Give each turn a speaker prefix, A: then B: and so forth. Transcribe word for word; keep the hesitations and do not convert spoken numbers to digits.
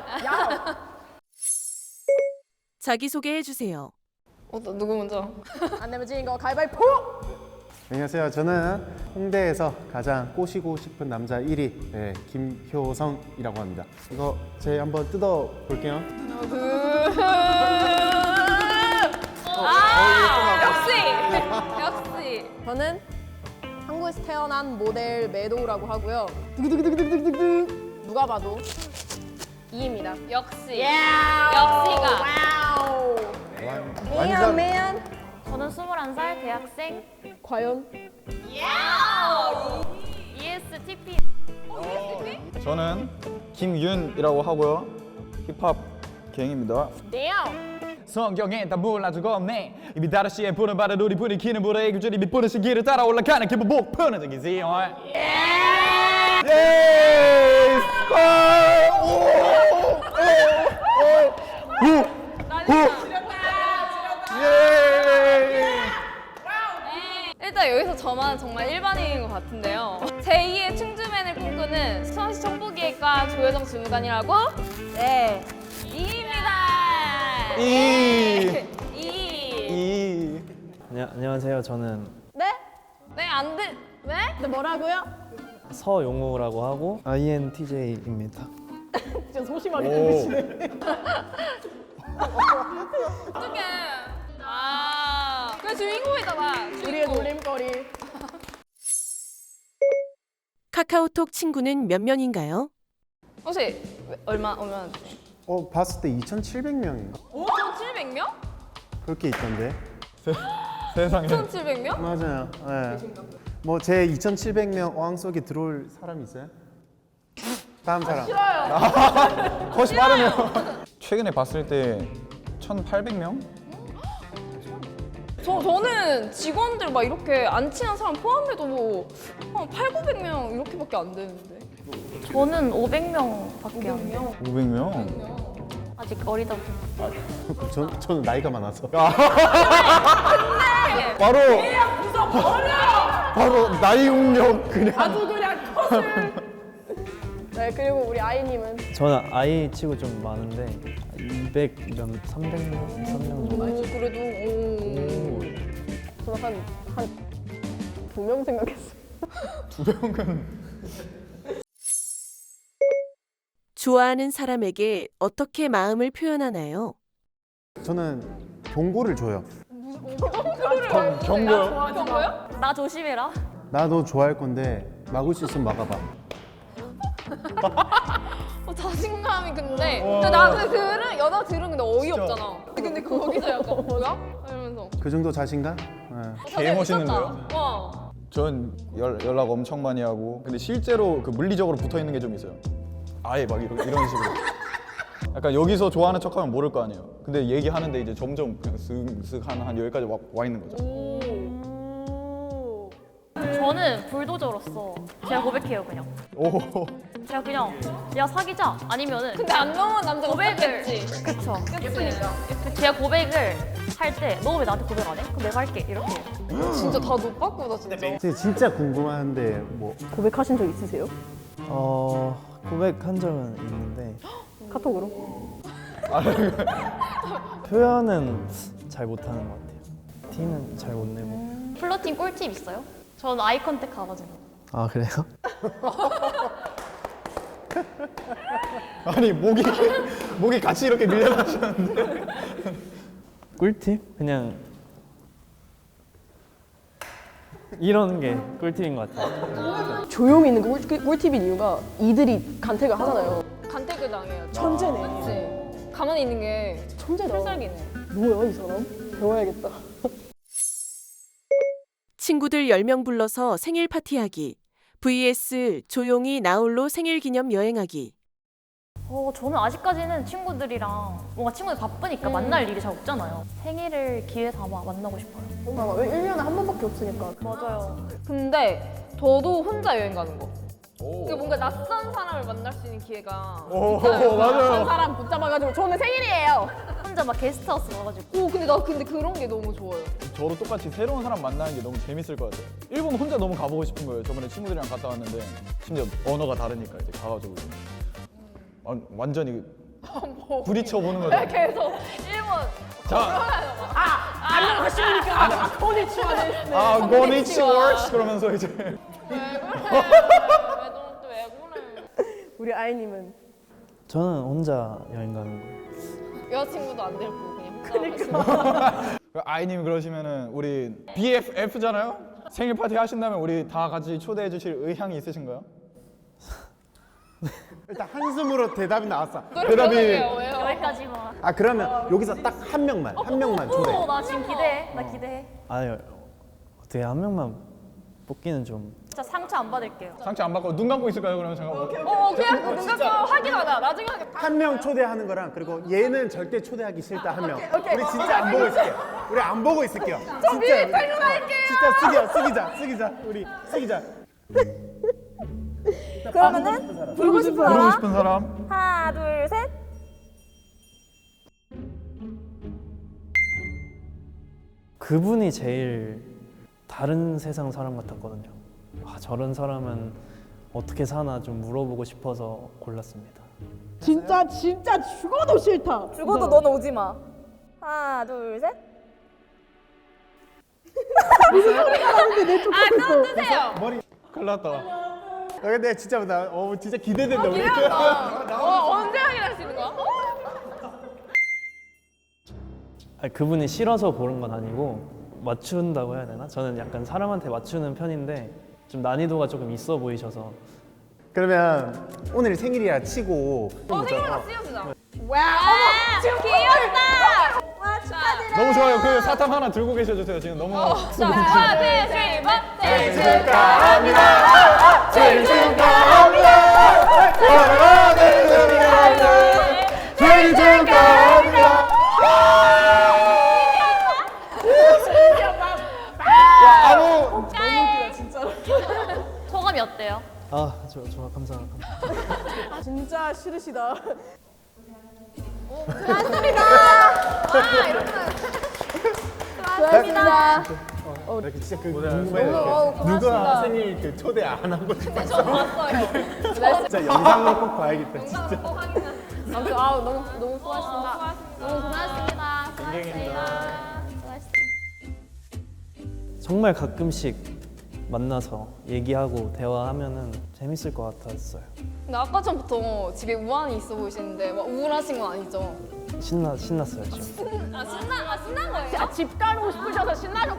A: 자기소개해 주세요.
B: 어, 나 누구 먼저?
C: 안 내면 지는 거 가위바위보!
D: 안녕하세요. 저는 홍대에서 가장 꼬시고 싶은 남자 일 위 네, 김효성이라고 합니다. 이거 제 한번 뜯어 볼게요.
B: 아, 역시! 역시!
C: 저는 한국에서 태어난 모델 매도우라고 하고요. 두구두구두구두구두구 누가 봐도 이입니다.
B: 역시!
C: 역시가!
B: 역시가!
C: 완, 완전 매연!
E: 저는 스물한 살 대학생
C: 과연?
E: 이에스티피.
F: 저는 김윤이라고 하고요. 힙합 갱입니다.
C: damn!
G: 성경에 다 몰라주고 없네. 이미 다른 시에 부른 바로 우리 부리키는 불의 규절이 밑부는 시기를 따라 올라가는 기분 목표는 저기지.
F: 예!
B: 일단 여기서 저만 정말 일반인인 것 같은데요. 제이의 충주맨을 꿈꾸는 수원시 정보기획과 조효정 주무관이라고?
C: 네.
B: 이입니다.
F: 이.
B: 이.
F: 이.
H: 안녕, 안녕하세요. 저는
C: 네?
B: 네, 안 돼. 왜?
C: 근데 뭐라고요?
H: 서용우라고 하고 아이엔티제이입니다.
C: 진짜 소심하게 들으시네.
B: 어떡해. 아, 그 주인공이잖아.
C: 우리의
B: 주인공.
C: 놀림거리.
A: 카카오톡 친구는 몇 명인가요?
B: 혹시 왜- 얼마, 얼마나 돼요?
D: 어 봤을 때 이천칠백 명인가?
B: 오천칠백 명?
D: 그렇게 있던데.
F: 세상에.
B: 오천칠백 명?
D: 맞아요. 네. 뭐제 이천칠백 명 어항 속에 들어올 사람 있어요? 다음 사람.
F: 컷이 빠르네요. 최근에 봤을 때 천팔백 명?
B: 저, 저는 직원들 막 이렇게 안 친한 사람 포함해도 뭐 한 팔구백 명 이렇게밖에 안 되는데.
E: 저는 오백 명밖에 안 돼요.
F: 오백 명?
E: 아직 어리다 보니.
D: 전, 저는 나이가 많아서.
F: 바로 바로 나이 운영 그냥.
C: 아주 그냥 컷을. 네, 그리고 우리 아이님은
H: 저는 아이 치고 좀 많은데 이백 몇, 삼백 명, 삼백 명.
C: 오, 그래도 오. 저는 한, 한 두 명 생각했어요.
A: 좋아하는 사람에게 어떻게 마음을 표현하나요?
D: 저는 경고를 줘요.
F: 경고요?
B: 경고요?
E: 나 조심해라.
D: 나 너 좋아할 건데 막을 수 있으면 막아봐.
B: 어, 자신감이 근데 근데 나그 들은 여자 들은 근데 어이없잖아. 근데 거기서 약간 뭐야? 이러면서
D: 그 정도 자신감? 네.
F: 개 멋있는데요?
B: 미쳤다. 와.
F: 전 연, 연락 엄청 많이 하고 근데 실제로 그 물리적으로 붙어 있는 게 좀 있어요. 아예 막 이런, 이런 식으로. 약간 여기서 좋아하는 척하면 모를 거 아니에요. 근데 얘기하는데 이제 점점 그냥 쓱쓱 한, 한 여기까지 와, 와 있는 거죠.
C: 오.
E: 저는 불도저로서 제가 고백해요 그냥.
F: 오.
E: 제가 그냥 야 사귀자 아니면은
B: 근데 안 넘어온 남자가
E: 고백을
B: 없겠지.
E: 그쵸.
B: 예쁘니까.
E: 제가 고백을 할 때 너 왜 나한테 고백 안 해? 그럼 내가 할게 이렇게.
B: 진짜 다 노빠꾸다 진짜.
D: 근데 진짜 궁금한데 뭐
C: 고백하신 적 있으세요?
H: 어, 고백한 적은 있는데
C: 카톡으로?
H: 표현은 잘 못하는 것 같아요. 티는 잘 못 내고.
E: 플러팅 꿀팁 있어요? 저는 아이 컨택 가가지고.
H: 아, 그래요?
F: 아니 목이 목이 같이 이렇게 밀려나시는데.
H: 꿀팁? 그냥 이런 게 꿀팁인 것 같아요.
C: 조용히 있는 게 꿀, 꿀팁인 이유가 이들이 간택을 하잖아요.
B: 간택을 당해요.
C: 천재네.
B: 그치? 가만히 있는 게
C: 천재다.
B: 필살기네.
C: 뭐야 이 사람? 배워야겠다.
A: 친구들 열 명 불러서 생일 파티하기 vs 조용히 나홀로 생일 기념 여행하기.
E: 어, 저는 아직까지는 친구들이랑 뭔가 친구들 바쁘니까 만날 일이 잘 없잖아요. 생일을 기회 삼아 만나고 싶어요.
C: 아, 왜 일 년에 한 번밖에 없으니까.
E: 맞아요.
B: 근데 저도 혼자 여행 가는 거. 그러니까 뭔가 낯선 사람을 만날 수 있는 기회가
F: 오
C: 한
F: 맞아요.
C: 사람 붙잡아가지고 저는 생일이에요.
E: 혼자 막 게스트하우스 가가지고.
B: 오 근데 나 근데 그런 게 너무 좋아요.
F: 저도 똑같이 새로운 사람 만나는 게 너무 재밌을 것 같아요. 일본 혼자 너무 가보고 싶은 거예요. 저번에 친구들이랑 갔다 왔는데 심지어 언어가 다르니까 이제 가가지고 아, 완전히 부딪혀 보는 거죠.
B: 계속 일본
F: 아, 고니치와 그러면서 이제
B: 왜 그래? 왜너또왜 그래?
C: 우리 아이님은
H: 저는 혼자 여행 가는 거예요.
B: 여자친구도 안 데리고 그냥 그러니까.
F: 아이님 그러시면은 우리 비에프에프잖아요. 생일 파티 하신다면 우리 다 같이 초대해 주실 의향이 있으신가요?
D: 일단 한숨으로 대답이 나왔어.
F: 대답이
B: 왜요?
E: 여기까지만.
D: 아 그러면 여기서 딱 한 명만 한 명만 초대.
E: 오, 나 지금 기대해. 나 기대해.
H: 아니 어떻게 한 명만 뽑기는 좀
E: 진짜 상처 안 받을게요.
F: 상처 안 받고 눈 감고 있을까요? 그러면 제가 뭐-
B: 어 그냥 눈 감고 확인하자. 나중에 하겠다.
D: 한 명 초대하는 거랑 그리고 얘는 절대 초대하기 싫다 한 명. 우리 진짜 안 보고 있을게요. 우리 안 보고 있을게요. 진짜 우리- 진짜 쓰기자 쓰기자 쓰기자 우리 쓰기자.
I: 그러면은 부르고 싶은
F: 부르고
I: 사람
F: 싶은 사람.
I: 하나 둘 셋.
H: 그분이 제일 다른 세상 사람 같았거든요. 아, 저런 사람은 어떻게 사나 좀 물어보고 싶어서 골랐습니다.
C: 진짜 진짜 죽어도 싫다.
I: 죽어도 너는 오지 마. 하나 둘 셋.
B: 아또 뜨세요.
D: 머리.
F: 큰일 났다.
D: 아, 근데 진짜 나 어, 진짜 기대된다. 우리.
B: 기대한다. 어, 언제 확인할 수 있는 거야? 어?
H: 아니, 그분이 싫어서 고른 건 아니고 맞춘다고 해야 되나? 저는 약간 사람한테 맞추는 편인데 좀 난이도가 조금 있어 보이셔서
D: 그러면 오늘 생일이라 치고.
B: 어 생일만 씌워주자. 와, 어머, 지금 귀엽다.
I: 와 축하드려.
F: 너무 좋아요. 그 사탕 하나 들고 계셔 주세요. 지금 너무
B: 자, 하나, 둘, 셋, 넷. 생일
D: 축하합니다. 생일 축하합니다. 사랑하는 생일 축하합니다.
F: 아무
E: 소감이 어때요?
H: 아, 저, 저 감사합니다.
C: 진짜 싫으시다.
I: 수고하셨습니다.
D: 어, 이렇게 진짜 그 궁금해요. 누가 생일 그 초대 안 한 거지?
B: 저 봤어요.
D: 진짜 영상을 꼭 봐야겠다. 진짜.
B: 영상 꼭 확인해.
C: 아무튼 아우 너무 너무 수고하셨습니다.
B: 너무 고맙습니다. 수고하셨습니다.
H: 정말 가끔씩 만나서 얘기하고 대화하면은 재밌을 것 같았어요.
B: 근데 아까 전부터 집에 우환이 있어 보이시는데 막 우울하신 건 아니죠?
H: 신나 신났어요 지금.
B: 아 신나 아 신난 거예요?
C: 집 가고 싶으셔서 신나셨